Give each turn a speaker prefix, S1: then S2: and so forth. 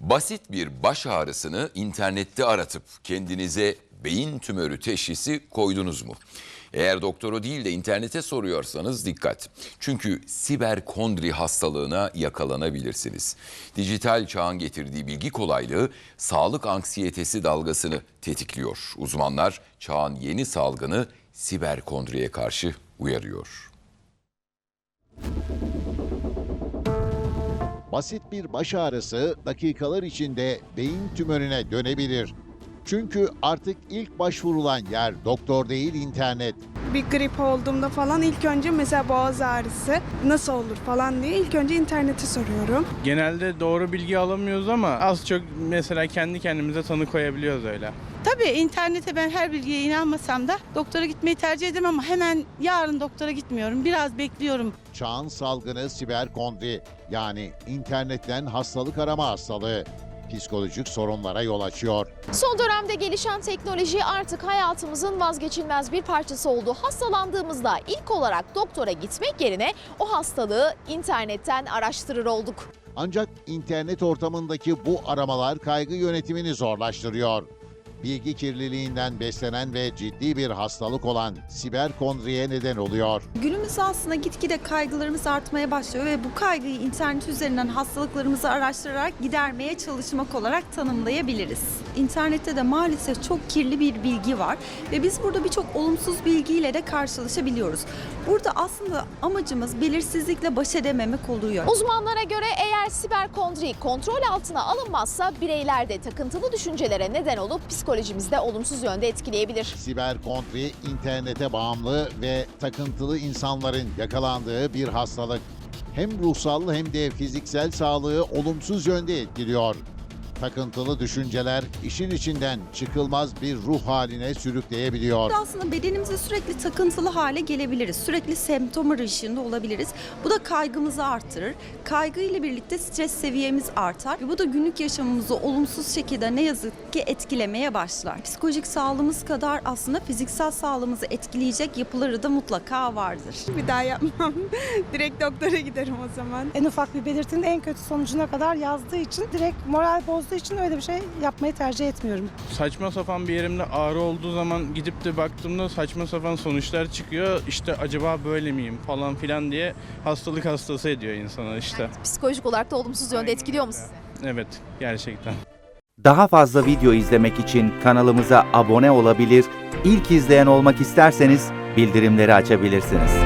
S1: Basit bir baş ağrısını internette aratıp kendinize beyin tümörü teşhisi koydunuz mu? Eğer doktoru değil de internete soruyorsanız dikkat. Çünkü siberkondri hastalığına yakalanabilirsiniz. Dijital çağın getirdiği bilgi kolaylığı sağlık anksiyetesi dalgasını tetikliyor. Uzmanlar çağın yeni salgını siberkondriye karşı uyarıyor.
S2: Basit bir baş ağrısı dakikalar içinde beyin tümörüne dönebilir. Çünkü artık ilk başvurulan yer doktor değil internet.
S3: Bir grip olduğumda falan ilk önce mesela boğaz ağrısı nasıl olur falan diye ilk önce internete soruyorum.
S4: Genelde doğru bilgi alamıyoruz ama az çok mesela kendi kendimize tanı koyabiliyoruz öyle.
S5: Tabii internete ben her bilgiye inanmasam da doktora gitmeyi tercih ederim ama hemen yarın doktora gitmiyorum. Biraz bekliyorum.
S2: Çağın salgını siberkondri, yani internetten hastalık arama hastalığı psikolojik sorunlara yol açıyor.
S6: Son dönemde gelişen teknoloji artık hayatımızın vazgeçilmez bir parçası oldu. Hastalandığımızda ilk olarak doktora gitmek yerine o hastalığı internetten araştırır olduk.
S2: Ancak internet ortamındaki bu aramalar kaygı yönetimini zorlaştırıyor. Bilgi kirliliğinden beslenen ve ciddi bir hastalık olan siberkondriye neden oluyor.
S7: Günümüzde aslında gitgide kaygılarımız artmaya başlıyor ve bu kaygıyı internet üzerinden hastalıklarımızı araştırarak gidermeye çalışmak olarak tanımlayabiliriz. İnternette de maalesef çok kirli bir bilgi var ve biz burada birçok olumsuz bilgiyle de karşılaşabiliyoruz. Burada aslında amacımız belirsizlikle baş edememek oluyor.
S6: Uzmanlara göre eğer siberkondri kontrol altına alınmazsa bireylerde takıntılı düşüncelere neden olup psikolojimizde olumsuz yönde etkileyebilir.
S2: Siberkondri, internete bağımlı ve takıntılı insanların yakalandığı bir hastalık. Hem ruhsal hem de fiziksel sağlığı olumsuz yönde etkiliyor. Takıntılı düşünceler işin içinden çıkılmaz bir ruh haline sürükleyebiliyor.
S7: Aslında bedenimize sürekli takıntılı hale gelebiliriz. Sürekli semptom arayışında olabiliriz. Bu da kaygımızı artırır. Kaygı ile birlikte stres seviyemiz artar. Ve bu da günlük yaşamımızı olumsuz şekilde ne yazık ki etkilemeye başlar. Psikolojik sağlığımız kadar aslında fiziksel sağlığımızı etkileyecek yapıları da mutlaka vardır.
S3: Bir daha yapmam. Direkt doktora giderim o zaman.
S8: En ufak bir belirtinin en kötü sonucuna kadar yazdığı için direkt moral bozduğu için öyle bir şey yapmayı tercih etmiyorum.
S4: Saçma sapan bir yerimde ağrı olduğu zaman gidip de baktığımda saçma sapan sonuçlar çıkıyor. İşte acaba böyle miyim falan filan diye hastalık hastası ediyor insana işte.
S6: Psikolojik olarak da olumsuz yönde etkiliyor mu sizi?
S4: Evet, gerçekten.
S9: Daha fazla video izlemek için kanalımıza abone olabilir, ilk izleyen olmak isterseniz bildirimleri açabilirsiniz.